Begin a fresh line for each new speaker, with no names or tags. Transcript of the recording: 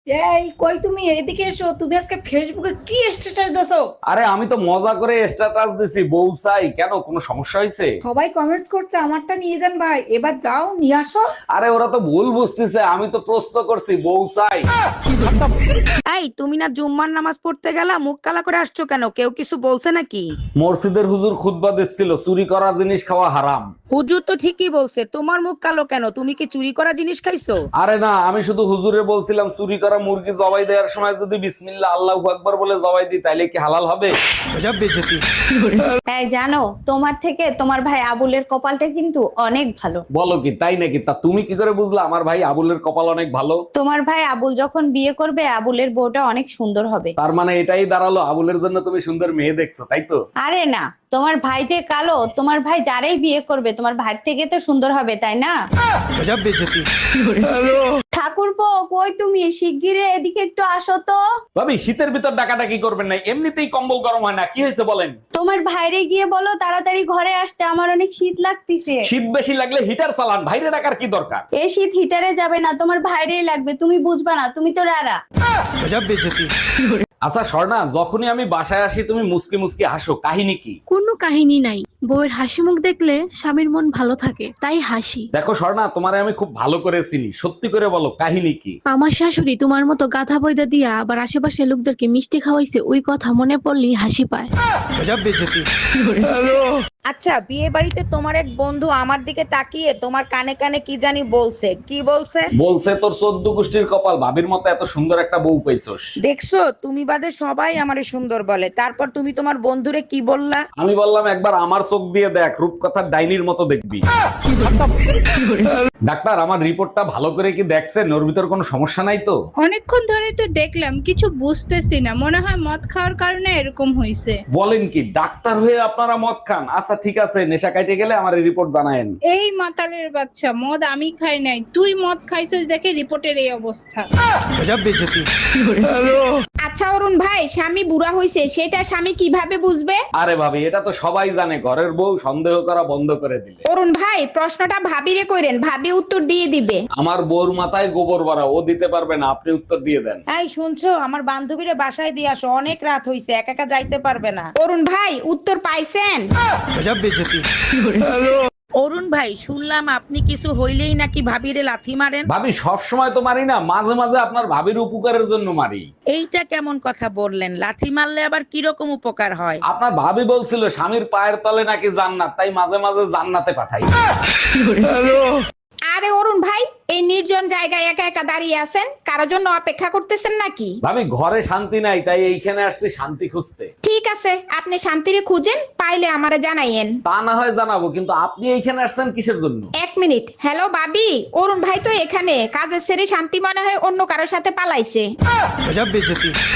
এই কই তুমি এদিকে এসো। তুমি আজকে ফেসবুকে কি স্ট্যাটাস দিছো?
আরে আমি তো মজা করে স্ট্যাটাস দিছি বউ চাই, কেন কোনো সমস্যা হয়েছে?
সবাই কমেন্টস করছে আমারটা নিয়ে যান ভাই, এবার যাও নিয়ে আসো।
আরে ওরা তো ভুল বুঝতেছে, আমি তো প্রশ্ন করছি বউ চাই।
এই তুমি না জুম্মার নামাজ পড়তে গেলা, মুখ কালা করে আসছো কেন? কেউ কিছু বলছে নাকি?
মসজিদের হুজুর খুতবা দিচ্ছিল চুরি করা জিনিস খাওয়া হারাম।
হুজুর তো ঠিকই বলছে, তোমার মুখ কালো কেন? তুমি কি চুরি করা জিনিস খাইছো?
আরে না, আমি শুধু হুজুরে বলছিলাম চুরি করা মুরগি জবাই দেওয়ার সময় যদি বিসমিল্লাহ আল্লাহু আকবার বলে জবাই দিই তাইলে কি হালাল হবে?
এই জানো, তোমার থেকে তোমার ভাই আবুলের কপালটা কিন্তু অনেক ভালো।
বলো কি, তাই নাকি? তা তুমি কি করে বুঝলা আমার ভাই আবুলের কপাল অনেক ভালো?
তোমার ভাই আবুল যখন বিয়ে করবে আবুলের বউটা অনেক সুন্দর হবে।
তার মানে এটাই দাঁড়ালো আবুলের জন্য তুমি সুন্দর মেয়ে দেখছো, তাই তো?
আরে না, তোমার ভাই যে কালো, তোমার ভাই যারাই বিয়ে করবে তোমার ভাই থেকে তো সুন্দর হবে, তাই না? ঠাকুরপো, কই তুমি? শিগগিরই এদিকে একটু আসো তো।
ভাবি শীতের ভিতর ডাকাডাকি করবেন না, এমনিতেই কম্বল গরম হয় না, কি হয়েছে বলেন?
তোমার ভাইরে গিয়ে বলো তাড়াতাড়ি ঘরে আসতে, আমার অনেক শীত লাগতেছে।
শীত বেশি লাগলে হিটার চালান, বাইরে ডাকার কি দরকার?
এই শীত হিটারে যাবে না, তোমার ভাইরেই লাগবে, তুমি বুঝবা না, তুমি তো রারা।
আচ্ছা স্বর্ণা, যখনই আমি বাসায় আসি তুমি মুসকি মুসকি হাসো, কাহিনী কি?
কোনো কাহিনী নাই, বউয়ের হাসি মুখ দেখলে স্বামীর মন ভালো থাকে তাই হাসি।
দেখো স্বর্ণা, তোমারে আমি খুব ভালো করে চিনি, সত্যি করে বলো কাহিনী কি?
আমার শাশুড়ি তোমার মতো গাধা বইদা দিয়া আবার আশেপাশে লোকদেরকে মিষ্টি খাওয়াইছে, ওই কথা মনে পড়লেই হাসি পায়।
আচ্ছা, বিয়ে বাড়িতে তোমার এক বন্ধু আমার দিকে তাকিয়ে তোমার কানে কানে কি জানি বলছে, কি বলছে?
বলছে তোর 14 গোষ্ঠীর কপাল, ভাবির মতো এত সুন্দর একটা বউ পাইছস।
দেখছো, তুমি বাদে সবাই আমারে সুন্দর বলে, তারপর তুমি তোমার বন্ধুরে কি বললা?
আমি বললাম একবার আমার চোখ দিয়ে দেখ, রূপকথার ডাইনির মতো দেখবি। ডাক্তার, আমার রিপোর্টটা ভালো করে কি দেখছেন? ওর ভিতর কোনো সমস্যা নাই তো?
অনেকক্ষণ ধরে তো দেখলাম, কিছু বুঝতেছি না, মনে হয় মদ খাওয়ার কারণে এরকম হইছে।
বলেন কি, ডাক্তার হয়ে আপনারা মদ খান? আচ্ছা ঠিক আছে, নেশা কাটে গেলে আমার রিপোর্ট জানায়েন।
এই মাতালের বাচ্চা, মদ আমি খাই নাই, তুই মদ খাইছিস দেখে রিপোর্টের এই অবস্থা।
আচ্ছা অরুণ ভাই, স্বামী বুড়া হইছে সেটা স্বামী কিভাবে বুঝবে?
আরে ভাবি, এটা তো সবাই জানে, ঘরের বউ সন্দেহ করা বন্ধ করে দিলে।
অরুণ ভাই, প্রশ্নটা ভাবিরে কইরেন, ভাবি উত্তর দিয়ে দিবে।
আমার বউর মাথায় গোবর ভরা, ও দিতে পারবে না, আপনি উত্তর দিয়ে দেন।
এই শুনছো, আমার বান্ধবীরে বাসায় দিয়ে আসো, অনেক রাত হইছে, একা একা যাইতে পারবে না।
অরুণ ভাই, উত্তর পাইছেন?
অরুণ ভাই, শুনলাম আপনি কিছু হইলেই নাকি ভাবিরে লাথি মারেন।
ভাবি সব সময় তো মারি না, মাঝে মাঝে আপনার ভাবির উপকারের জন্য মারি।
এইটা কেমন কথা বললেন? লাথি মারলে আবার কিরকম উপকার হয়?
আপনার ভাবি বলছিল স্বামীর পায়ের তলে নাকি জান্নাত, তাই মাঝে মাঝে জান্নাতে পাঠাই।
আরে অরুণ ভাই, এই নির্জন জায়গায় একা একা দাঁড়িয়ে আছেন, কারোর জন্য অপেক্ষা করতেছেন নাকি?
ভাবি ঘরে শান্তি নাই, তাই এইখানে আসছি শান্তি খুঁজতে।
ঠিক আছে, আপনি শান্তিরে খুঁজেন, পাইলে আমারে জানাইয়েন।
তা না হয় জানাবো, কিন্তু আপনি এইখানে আসছেন কিসের জন্য?
এক মিনিট। হ্যালো বাবি, অরুণ ভাই তো এখানে কাজের সেরে শান্তি মনে হয় অন্য কারোর সাথে পালাইছে।